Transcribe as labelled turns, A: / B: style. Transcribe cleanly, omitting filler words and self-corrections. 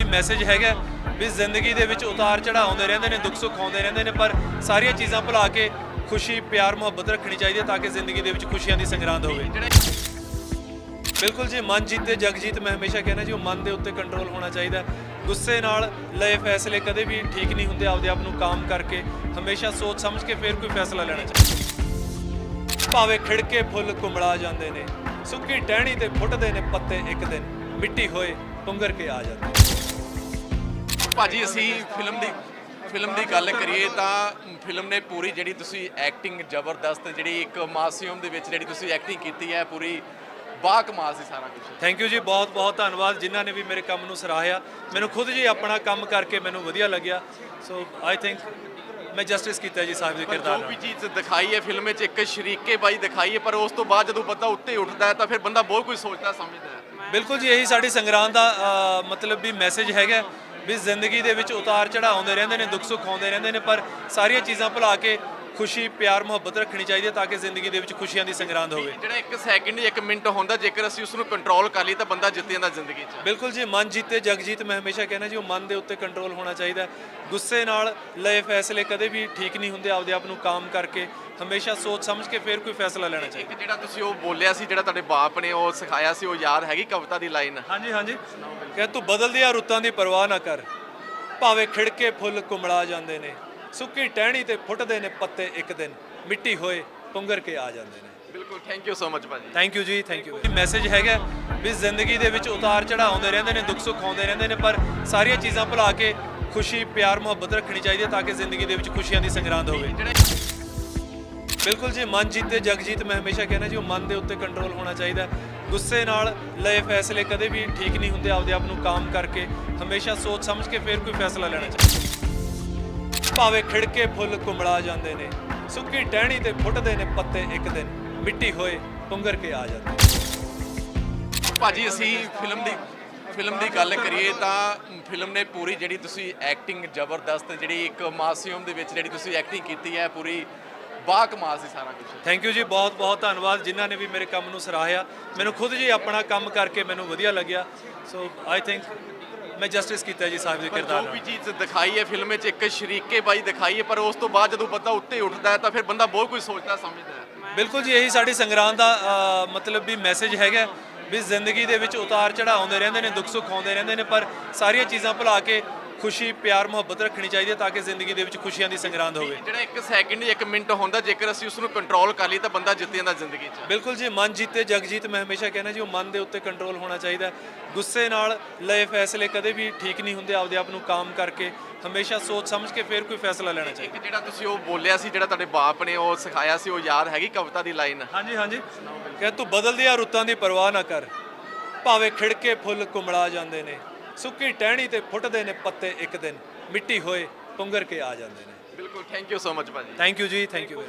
A: Message ਹੈਗਾ ਵੀ ਜ਼ਿੰਦਗੀ ਦੇ ਵਿੱਚ ਉਤਾਰ ਚੜ੍ਹਾਅ ਆਉਂਦੇ ਰਹਿੰਦੇ ਨੇ, ਦੁੱਖ ਸੁੱਖ ਆਉਂਦੇ ਰਹਿੰਦੇ ਨੇ, ਪਰ ਸਾਰੀਆਂ ਚੀਜ਼ਾਂ ਭੁਲਾ ਕੇ ਖੁਸ਼ੀ ਪਿਆਰ ਮੁਹੱਬਤ ਰੱਖਣੀ ਚਾਹੀਦੀ ਹੈ ਤਾਂ ਕਿ ਜ਼ਿੰਦਗੀ ਦੇ ਵਿੱਚ ਖੁਸ਼ੀਆਂ ਦੀ ਸੰਗਰਾਂਦ ਹੋਵੇ। ਬਿਲਕੁਲ ਜੀ, ਮਨ ਜੀਤੇ ਜਗ ਜੀਤ। ਮੈਂ ਹਮੇਸ਼ਾ ਕਹਿੰਦਾ ਜੀ ਉਹ ਮਨ ਦੇ ਉੱਤੇ ਕੰਟਰੋਲ ਹੋਣਾ ਚਾਹੀਦਾ। ਗੁੱਸੇ ਨਾਲ ਲਏ ਫੈਸਲੇ ਕਦੇ ਵੀ ਠੀਕ ਨਹੀਂ ਹੁੰਦੇ। ਆਪਦੇ ਆਪ ਨੂੰ ਕਾਮ ਕਰਕੇ ਹਮੇਸ਼ਾ ਸੋਚ ਸਮਝ ਕੇ ਫਿਰ ਕੋਈ ਫੈਸਲਾ ਲੈਣਾ ਚਾਹੀਦਾ। ਭਾਵੇਂ ਖਿੜਕੇ ਫੁੱਲ ਕੁੰਮੜਾ ਜਾਂਦੇ ਨੇ, ਸੁੱਕੀ ਟਹਿਣੀ ਤੇ ਫੁੱਟਦੇ ਨੇ ਪੱਤੇ, ਇੱਕ ਦਿਨ ਮਿੱਟੀ ਹੋਏ ਪੁੰਗਰ ਕੇ ਆ ਜਾਂਦੇ।
B: ਭਾਜੀ ਅਸੀਂ ਫਿਲਮ ਦੀ ਗੱਲ ਕਰੀਏ ਤਾਂ ਫਿਲਮ ਨੇ ਪੂਰੀ ਜਿਹੜੀ ਤੁਸੀਂ ਐਕਟਿੰਗ ਜ਼ਬਰਦਸਤ, ਜਿਹੜੀ ਇੱਕ ਮਾਸੂਮ ਦੇ ਵਿੱਚ ਜਿਹੜੀ ਤੁਸੀਂ ਐਕਟਿੰਗ ਕੀਤੀ ਹੈ, ਪੂਰੀ ਬਾ ਕਮਾਲ ਸੀ ਸਾਰਾ ਕੁਝ।
A: ਥੈਂਕ ਯੂ ਜੀ, ਬਹੁਤ ਬਹੁਤ ਧੰਨਵਾਦ ਜਿਨ੍ਹਾਂ ਨੇ ਵੀ ਮੇਰੇ ਕੰਮ ਨੂੰ ਸਰਾਹਿਆ। ਮੈਨੂੰ ਖੁਦ ਜੀ ਆਪਣਾ ਕੰਮ ਕਰਕੇ ਮੈਨੂੰ ਵਧੀਆ ਲੱਗਿਆ। ਸੋ ਆਈ ਥਿੰਕ ਮੈਂ ਜਸਟਿਸ ਕੀਤਾ ਜੀ ਸਾਹਿਬ ਦੇ ਕਿਰਦਾਰ
B: ਜੋ ਵੀ
A: ਨਾਲ।
B: ਚੀਜ਼ ਦਿਖਾਈ ਹੈ ਫਿਲਮ ਵਿੱਚ, ਇੱਕ ਸ਼ਰੀਕੇ ਬਾਈ ਦਿਖਾਈ ਹੈ, ਪਰ ਉਸ ਤੋਂ ਬਾਅਦ ਜਦੋਂ ਬੰਦਾ ਉੱਤੇ ਉੱਠਦਾ ਹੈ ਤਾਂ ਫਿਰ ਬੰਦਾ ਬਹੁਤ ਕੁਝ ਸੋਚਦਾ ਸਮਝਦਾ ਹੈ।
A: ਬਿਲਕੁਲ ਜੀ, ਇਹੀ ਸਾਡੀ ਸੰਗਰਾਂਦ ਦਾ ਮਤਲਬ ਵੀ ਮੈਸੇਜ ਹੈਗਾ ਵੀ ਜ਼ਿੰਦਗੀ ਦੇ ਵਿੱਚ ਉਤਾਰ ਚੜ੍ਹਾਅ ਆਉਂਦੇ ਰਹਿੰਦੇ ਨੇ, ਦੁੱਖ ਸੁੱਖ ਆਉਂਦੇ ਰਹਿੰਦੇ ਨੇ, ਪਰ ਸਾਰੀਆਂ ਚੀਜ਼ਾਂ ਭੁਲਾ ਕੇ ਖੁਸ਼ੀ ਪਿਆਰ ਮੁਹੱਬਤ ਰੱਖਣੀ ਚਾਹੀਦੀ ਹੈ ਤਾਂ ਕਿ ਜ਼ਿੰਦਗੀ ਦੇ ਵਿੱਚ ਖੁਸ਼ੀਆਂ ਦੀ ਸੰਗਰਾਂਦ ਹੋਵੇ।
B: ਜਿਹੜਾ ਇੱਕ ਸੈਕਿੰਡ 1 ਮਿੰਟ ਹੁੰਦਾ, ਜੇਕਰ ਅਸੀਂ ਉਸ ਨੂੰ ਕੰਟਰੋਲ ਕਰ ਲਈ ਤਾਂ ਬੰਦਾ ਜਿੱਤ ਜਾਂਦਾ ਜ਼ਿੰਦਗੀ 'ਚ।
A: ਬਿਲਕੁਲ ਜੀ, ਮਨ ਜੀਤੇ ਜਗ ਜੀਤ। ਮੈਂ ਹਮੇਸ਼ਾ ਕਹਿੰਦਾ ਜੀ ਉਹ ਮਨ ਦੇ ਉੱਤੇ ਕੰਟਰੋਲ ਹੋਣਾ ਚਾਹੀਦਾ। ਗੁੱਸੇ ਨਾਲ ਲਏ ਫੈਸਲੇ ਕਦੇ ਵੀ ਠੀਕ ਨਹੀਂ ਹੁੰਦੇ। ਆਪਦੇ ਆਪ ਨੂੰ ਕਾਮ ਕਰਕੇ ਹਮੇਸ਼ਾ ਸੋਚ ਸਮਝ ਕੇ ਫਿਰ ਕੋਈ ਫੈਸਲਾ ਲੈਣਾ ਚਾਹੀਦਾ।
B: ਇੱਕ ਜਿਹੜਾ ਤੁਸੀਂ ਉਹ ਬੋਲਿਆ ਸੀ, ਜਿਹੜਾ ਤੁਹਾਡੇ ਬਾਪ ਨੇ ਉਹ ਸਿਖਾਇਆ ਸੀ, ਉਹ ਯਾਦ ਹੈਗੀ ਕਵਿਤਾ ਦੀ ਲਾਈਨ?
A: ਹਾਂਜੀ ਹਾਂਜੀ, ਕਿ ਤੂੰ ਬਦਲਦੀਆਂ ਰੁੱਤਾਂ ਦੀ ਪਰਵਾਹ ਨਾ ਕਰ, ਭਾਵੇਂ ਖਿੜਕੇ ਫੁੱਲ ਕੁੰਮੜਾ ਜਾਂਦੇ ਨੇ, ਸੁੱਕੀ ਟਹਿਣੀ ਤੇ ਫੁੱਟਦੇ ਨੇ ਪੱਤੇ, ਇੱਕ ਦਿਨ ਮਿੱਟੀ ਹੋਏ ਪੁੰਗਰ ਕੇ ਆ ਜਾਂਦੇ ਨੇ।
B: ਬਿਲਕੁਲ, ਥੈਂਕ ਯੂ ਸੋ ਮਚ ਭਾਜੀ।
A: ਥੈਂਕ ਯੂ ਜੀ, ਥੈਂਕ ਯੂ। ਮੈਸੇਜ ਹੈਗਾ ਵੀ ਜ਼ਿੰਦਗੀ ਦੇ ਵਿੱਚ ਉਤਾਰ ਚੜ੍ਹਾਅ ਆਉਂਦੇ ਰਹਿੰਦੇ ਨੇ, ਦੁੱਖ ਸੁੱਖ ਆਉਂਦੇ ਰਹਿੰਦੇ ਨੇ, ਪਰ ਸਾਰੀਆਂ ਚੀਜ਼ਾਂ ਭੁਲਾ ਕੇ ਖੁਸ਼ੀ ਪਿਆਰ ਮੁਹੱਬਤ ਰੱਖਣੀ ਚਾਹੀਦੀ ਹੈ ਤਾਂ ਕਿ ਜ਼ਿੰਦਗੀ ਦੇ ਵਿੱਚ ਖੁਸ਼ੀਆਂ ਦੀ ਸੰਗਰਾਂਦ ਹੋਵੇ। ਬਿਲਕੁਲ ਜੀ, ਮਨ ਜੀਤੇ ਜਗ ਜੀਤ। ਮੈਂ ਹਮੇਸ਼ਾ ਕਹਿੰਦਾ ਜੀ ਉਹ ਮਨ ਦੇ ਉੱਤੇ ਕੰਟਰੋਲ ਹੋਣਾ ਚਾਹੀਦਾ। ਗੁੱਸੇ ਨਾਲ ਲਏ ਫੈਸਲੇ ਕਦੇ ਵੀ ਠੀਕ ਨਹੀਂ ਹੁੰਦੇ। ਆਪਦੇ ਆਪ ਨੂੰ ਕਾਮ ਕਰਕੇ ਹਮੇਸ਼ਾ ਸੋਚ ਸਮਝ ਕੇ ਫਿਰ ਕੋਈ ਫੈਸਲਾ ਲੈਣਾ ਚਾਹੀਦਾ। ਭਾਵੇਂ ਖਿੜਕੇ ਫੁੱਲ ਕੁੰਮੜਾ ਜਾਂਦੇ ਨੇ, ਸੁੱਕੀ ਟਹਿਣੀ ਤੇ ਫੁੱਟਦੇ ਨੇ ਪੱਤੇ, ਇੱਕ ਦਿਨ ਮਿੱਟੀ ਹੋਏ ਪੁੰਗਰ ਕੇ ਆ ਜਾਂਦੇ।
B: ਭਾਜੀ ਅਸੀਂ ਫਿਲਮ ਦੀ ਗੱਲ ਕਰੀਏ ਤਾਂ ਫਿਲਮ ਨੇ ਪੂਰੀ ਜਿਹੜੀ ਤੁਸੀਂ ਐਕਟਿੰਗ ਜ਼ਬਰਦਸਤ, ਜਿਹੜੀ ਇੱਕ ਮਾਸੂਮ ਦੇ ਵਿੱਚ ਜਿਹੜੀ ਤੁਸੀਂ ਐਕਟਿੰਗ ਕੀਤੀ ਹੈ, ਪੂਰੀ ਬਾ ਕਮਾਲ ਸੀ ਸਾਰਾ ਕੁਝ।
A: ਥੈਂਕ ਯੂ ਜੀ, ਬਹੁਤ ਬਹੁਤ ਧੰਨਵਾਦ ਜਿਨ੍ਹਾਂ ਨੇ ਵੀ ਮੇਰੇ ਕੰਮ ਨੂੰ ਸਰਾਹਿਆ। ਮੈਨੂੰ ਖੁਦ ਜੀ ਆਪਣਾ ਕੰਮ ਕਰਕੇ ਮੈਨੂੰ ਵਧੀਆ ਲੱਗਿਆ। ਸੋ ਆਈ ਥਿੰਕ ਮੈਂ ਜਸਟਿਸ ਕੀਤਾ ਜੀ ਸਾਹਿਬ ਦੇ ਕਿਰਦਾਰ
B: ਜੋ ਵੀ
A: ਨਾਲ।
B: ਚੀਜ਼ ਦਿਖਾਈ ਹੈ ਫਿਲਮ ਵਿੱਚ, ਇੱਕ ਸ਼ਰੀਕੇ ਬਾਈ ਦਿਖਾਈ ਹੈ, ਪਰ ਉਸ ਤੋਂ ਬਾਅਦ ਜਦੋਂ ਬੰਦਾ ਉੱਤੇ ਉੱਠਦਾ ਹੈ ਤਾਂ ਫਿਰ ਬੰਦਾ ਬਹੁਤ ਕੁਝ ਸੋਚਦਾ ਸਮਝਦਾ ਹੈ।
A: ਬਿਲਕੁਲ ਜੀ, ਇਹੀ ਸਾਡੀ ਸੰਗਰਾਂਦ ਦਾ ਮਤਲਬ ਵੀ ਮੈਸੇਜ ਹੈਗਾ ਵੀ ਜ਼ਿੰਦਗੀ ਦੇ ਵਿੱਚ ਉਤਾਰ ਚੜ੍ਹਾਅ ਆਉਂਦੇ ਰਹਿੰਦੇ ਨੇ, ਦੁੱਖ ਸੁੱਖ ਆਉਂਦੇ ਰਹਿੰਦੇ ਨੇ, ਪਰ ਸਾਰੀਆਂ ਚੀਜ਼ਾਂ ਭੁਲਾ ਕੇ ਖੁਸ਼ੀ ਪਿਆਰ ਮੁਹੱਬਤ ਰੱਖਣੀ ਚਾਹੀਦੀ ਹੈ ਤਾਂ ਕਿ ਜ਼ਿੰਦਗੀ ਦੇ ਵਿੱਚ ਖੁਸ਼ੀਆਂ ਦੀ ਸੰਗਰਾਂਦ ਹੋਵੇ।
B: ਜਿਹੜਾ ਇੱਕ ਸੈਕਿੰਡ 1 ਮਿੰਟ ਹੁੰਦਾ, ਜੇਕਰ ਅਸੀਂ ਉਸ ਨੂੰ ਕੰਟਰੋਲ ਕਰ ਲਈ ਤਾਂ ਬੰਦਾ ਜਿੱਤ ਜਾਂਦਾ ਜ਼ਿੰਦਗੀ 'ਚ।
A: ਬਿਲਕੁਲ ਜੀ, ਮਨ ਜੀਤੇ ਜਗ ਜੀਤ। ਮੈਂ ਹਮੇਸ਼ਾ ਕਹਿੰਦਾ ਜੀ ਉਹ ਮਨ ਦੇ ਉੱਤੇ ਕੰਟਰੋਲ ਹੋਣਾ ਚਾਹੀਦਾ। ਗੁੱਸੇ ਨਾਲ ਲਏ ਫੈਸਲੇ ਕਦੇ ਵੀ ਠੀਕ ਨਹੀਂ ਹੁੰਦੇ। ਆਪਦੇ ਆਪ ਨੂੰ ਕਾਮ ਕਰਕੇ ਹਮੇਸ਼ਾ ਸੋਚ ਸਮਝ ਕੇ ਫਿਰ ਕੋਈ ਫੈਸਲਾ ਲੈਣਾ ਚਾਹੀਦਾ।
B: ਇੱਕ ਜਿਹੜਾ ਤੁਸੀਂ ਉਹ ਬੋਲਿਆ ਸੀ, ਜਿਹੜਾ ਤੁਹਾਡੇ ਬਾਪ ਨੇ ਉਹ ਸਿਖਾਇਆ ਸੀ, ਉਹ ਯਾਦ ਹੈਗੀ ਕਵਿਤਾ ਦੀ ਲਾਈਨ?
A: ਹਾਂਜੀ ਹਾਂਜੀ, ਕਿ ਤੂੰ ਬਦਲਦੀਆਂ ਰੁੱਤਾਂ ਦੀ ਪਰਵਾਹ ਨਾ ਕਰ, ਭਾਵੇਂ ਖਿੜਕੇ ਫੁੱਲ ਕੁੰਮੜਾ ਜਾਂਦੇ ਨੇ, ਸੁੱਕੀ ਟਹਿਣੀ ਤੇ ਫੁੱਟਦੇ ਨੇ ਪੱਤੇ, ਇੱਕ ਦਿਨ ਮਿੱਟੀ ਹੋਏ ਪੁੰਗਰ ਕੇ ਆ ਜਾਂਦੇ ਨੇ।
B: ਬਿਲਕੁਲ, ਥੈਂਕ ਯੂ ਸੋ ਮਚ ਭਾਜੀ।
A: ਥੈਂਕ ਯੂ ਜੀ, ਥੈਂਕ ਯੂ।